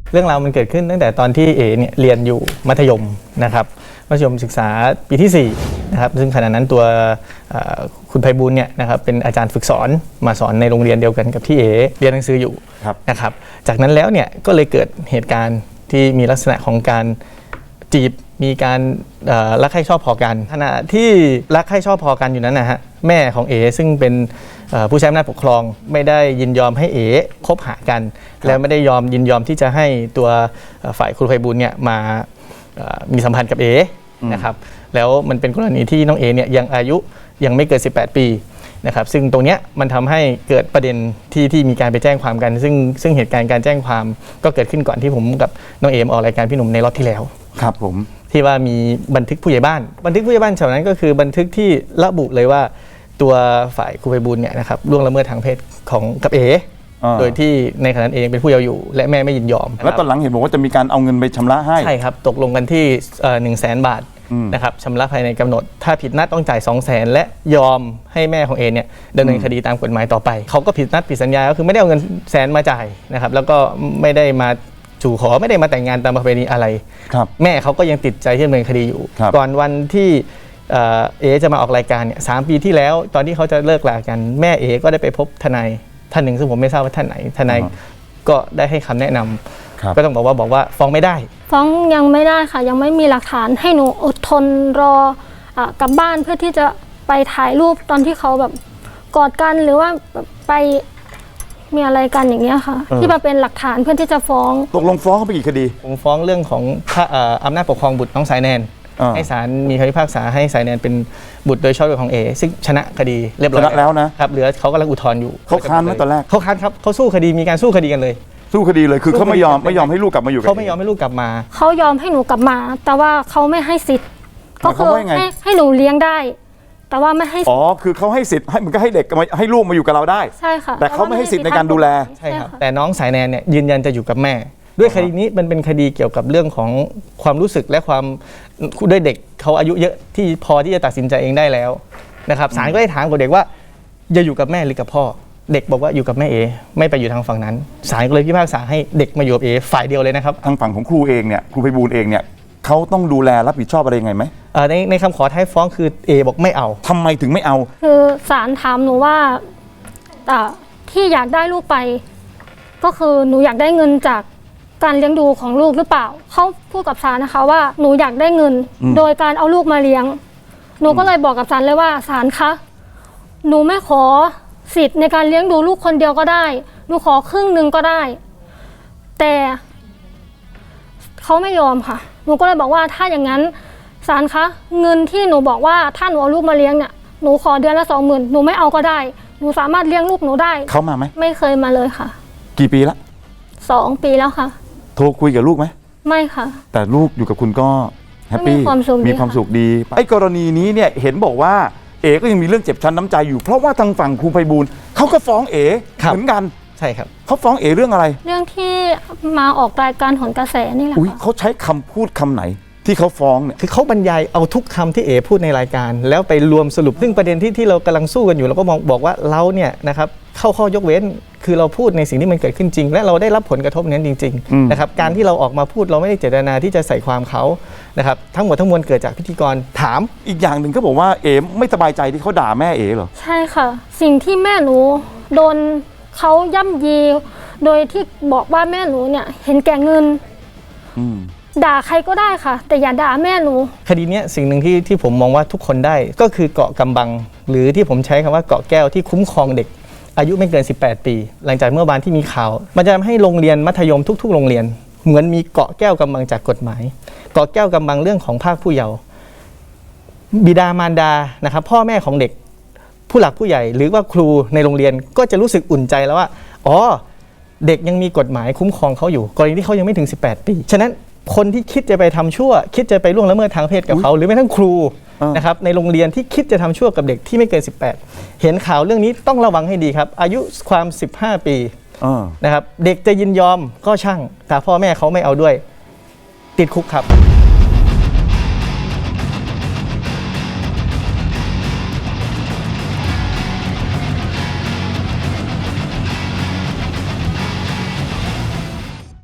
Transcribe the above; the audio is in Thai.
เรื่องราวมันเกิดขึ้นตั้งแต่ตอนที่เอเนี่ยเรียนอยู่มัธยมนะครับมัธยมศึกษาปีที่4นะครับซึ่งขณะนั้นตัวคุณไพบูลย์เนี่ยนะครับเป็นอาจารย์ฝึกสอนมาสอนในโรงเรียนเดียวกันกับที่เอเรียนหนังสืออยู่นะครับจากนั้นแล้วเนี่ยก็เลยเกิดเหตุการณ์ที่มีลักษณะของการจีบมีการรักใคร่ชอบพอกันขณะที่รักใคร่ชอบพอกันอยู่นั้นนะฮะแม่ของเอซึ่งเป็นผู้ใช้อำนาจปกครองไม่ได้ยินยอมให้เอคบหากันแล้วไม่ได้ยินยอมที่จะให้ตัวฝ่ายครูไพบูลย์เนี่ยมามีสัมพันธ์กับเอนะครับแล้วมันเป็นกรณีที่น้องเอเนี่ยยังอายุยังไม่เกิน18 ปีนะครับซึ่งตรงเนี้ยมันทำให้เกิดประเด็นที่มีการไปแจ้งความกันซึ่งเหตุการณ์การแจ้งความก็เกิดขึ้นก่อนที่ผมกับน้องเอมออกรายการพี่หนุ่มในรอบที่แล้วครับผมที่ว่ามีบันทึกผู้ใหญ่บ้านฉะนั้นก็คือบันทึกที่ระบุเลยว่าตัวฝ่ายครูไพบูลย์เนี่ยนะครับล่วงละเมิดทางเพศของกับเอโดยที่ในขณะนั้นเองเป็นผู้เยาว์อยู่และแม่ไม่ยินยอมแล้วตอนหลังเห็นบอกว่าจะมีการเอาเงินไปชำระให้ใช่ครับตกลงกันที่100,000 บาทนะครับชำระภายในกำหนดถ้าผิดนัดต้องจ่าย200,000และยอมให้แม่ของเอเนี่ยดำเนินคดีตามกฎหมายต่อไปเขาก็ผิดนัดผิดสัญญาก็คือไม่ได้เอาเงิน100,000มาจ่ายนะครับแล้วก็ไม่ได้มาจู่ขอไม่ได้มาแต่งงานตามประเพณีอะไรแม่เขาก็ยังติดใจที่ดำเนินคดีอยู่ก่อนวันที่เอจะมาออกรายการเนี่ย3 ปีที่แล้วตอนที่เขาจะเลิกลากันแม่เอก็ได้ไปพบทนายท่านหนึ่งซึ่งผมไม่ทราบว่าท่านไหนทนายก็ได้ให้คำแนะนำก็ต้องบอกว่าฟ้องไม่ได้ฟ้องยังไม่ได้ค่ะยังไม่มีหลักฐานให้หนูอดทนรอกลับบ้านเพื่อที่จะไปถ่ายรูปตอนที่เขาแบบกอดกันหรือว่าไปมีอะไรกันอย่างเงี้ยค่ะที่มาเป็นหลักฐานเพื่อที่จะฟ้องตกลงฟ้องเขาไปกี่คดีผมฟ้องเรื่องของอำนาจปกครองบุตรน้องสายแนนให้ศาลมีคำพิพากษาให้สายแนนเป็นบุตรโดยชอบด้วยของเอซึ่งชนะคดีเรียบร้อยแล้วนะครับเหลือเขากำลังอุทธรณ์อยู่เขาค้านไหมตอนแรกเขาค้านครับเขาสู้คดีมีการสู้คดีกันเลยสู้คดีเลยคือเขาไม่ยอมให้ลูกกลับมาอยู่เขาไม่ยอมให้ลูกกลับมาเขายอมให้หนูกลับมาแต่ว่าเขาไม่ให้สิทธิ์ก็คือให้หนูเลี้ยงได้แต่ว่าไม่ให้คือเขาให้สิทธิ์ให้มันก็ให้เด็กให้ลูกมาอยู่กับเราได้ใช่ค่ะแต่เขาไม่ให้สิทธิ์ในการดูแลใช่ครับแต่น้องสายแนนเนี่ยยืนยันจะอยู่กับแม่ด้วยคดีนี้มันเป็นคดีเกี่ยวกับเรื่องของความรู้สึกและความด้วยเด็กเขาอายุเยอะที่พอที่จะตัดสินใจเองได้แล้วนะครับศาลก็ได้ถามกับเด็กว่าจะอยู่กับแม่หรือกับพ่อเด็กบอกว่าอยู่กับแม่เอไม่ไปอยู่ทางฝั่งนั้นศาลก็เลยพิพากษาให้เด็กมาอยู่กับเอฝ่ายเดียวเลยนะครับทางฝั่งของครูเองเนี่ยครูไพบูลย์เองเนี่ยเขาต้องดูแลรับผิดชอบอะไรยังไงไหมในคำขอท้ายฟ้องคือเอบอกไม่เอาทำไมถึงไม่เอาคือศาลถามหนูว่าที่อยากได้ลูกไปก็คือหนูอยากได้เงินจากการเลี้ยงดูของลูกหรือเปล่าเขาพูดกับศาลนะคะว่าหนูอยากได้เงินโดยการเอาลูกมาเลี้ยงหนูก็เลยบอกกับศาลเลยว่าศาลคะหนูไม่ขอสิทธิ์ในการเลี้ยงดูลูกคนเดียวก็ได้หนูขอครึ่งนึงก็ได้แต่เขาไม่ยอมค่ะหนูก็เลยบอกว่าถ้าอย่างนั้นศาลคะเงินที่หนูบอกว่าถ้าหนูเอาลูกมาเลี้ยงเนี่ยหนูขอเดือนละ20,000หนูไม่เอาก็ได้หนูสามารถเลี้ยงลูกหนูได้เขามาไหมไม่เคยมาเลยค่ะกี่ปีละ 2 ปีแล้วค่ะโทรคุยกับลูกไหมไม่ค่ะแต่ลูกอยู่กับคุณก็แฮปปี้มีความสุขดีไอ้กรณีนี้เนี่ยเห็นบอกว่าเอก็ยังมีเรื่องเจ็บช้ำน้ำใจอยู่เพราะว่าทางฝั่งครูไพบูลย์เขาก็ฟ้องเอเหมือนกันใช่ครับเขาฟ้องเอเรื่องอะไรเรื่องที่มาออกรายการโหนกระแสนี่แหละเขาใช้คำพูดคำไหนที่เขาฟ้องเนี่ยคือเขาบรรยายเอาทุกคำที่เอพูดในรายการแล้วไปรวมสรุปซึ่งประเด็นที่เรากำลังสู้กันอยู่เราก็บอกว่าเราเนี่ยนะครับเข้าข้อยกเว้นคือเราพูดในสิ่งที่มันเกิดขึ้นจริงและเราได้รับผลกระทบนั้นจริงๆนะครับการที่เราออกมาพูดเราไม่ได้เจตนาที่จะใส่ความเขานะครับทั้งหมดทั้งมวลเกิดจากพิธีกรถามอีกอย่างหนึ่งก็บอกว่าเอไม่สบายใจที่เขาด่าแม่เอเหรอใช่ค่ะสิ่งที่แม่หนูโดนเขาย่ำยีโดยที่บอกว่าแม่หนูเนี่ยเห็นแก่เงินด่าใครก็ได้ค่ะแต่อย่าด่าแม่หนูคดีนี้สิ่งหนึ่งที่ผมมองว่าทุกคนได้ก็คือเกาะกำบังหรือที่ผมใช้คำว่าเกาะแก้วที่คุ้มครองเด็กอายุไม่เกิน18 ปีหลังจากเมื่อวานที่มีข่าวมันจะทำให้โรงเรียนมัธยมทุกๆโรงเรียนเหมือนมีเกาะแก้วกำบังจากกฎหมายเกาะแก้วกำบังเรื่องของภาคผู้เยาว์บิดามารดานะครับพ่อแม่ของเด็กผู้หลักผู้ใหญ่หรือว่าครูในโรงเรียนก็จะรู้สึกอุ่นใจแล้วว่าอ๋อเด็กยังมีกฎหมายคุ้มครองเขาอยู่กรณีที่เขายังไม่ถึง18 ปีฉะนั้นคนที่คิดจะไปทำชั่วคิดจะไปล่วงละเมิดทางเพศกับเขาหรือแม้ทั้งครูนะครับในโรงเรียนที่คิดจะทำชั่วกับเด็กที่ไม่เกิน18เห็นข่าวเรื่องนี้ต้องระวังให้ดีครับอายุความ15 ปีนะครับเด็กจะยินยอมก็ช่างแต่พ่อแม่เขาไม่เอาด้วยติดคุกครับ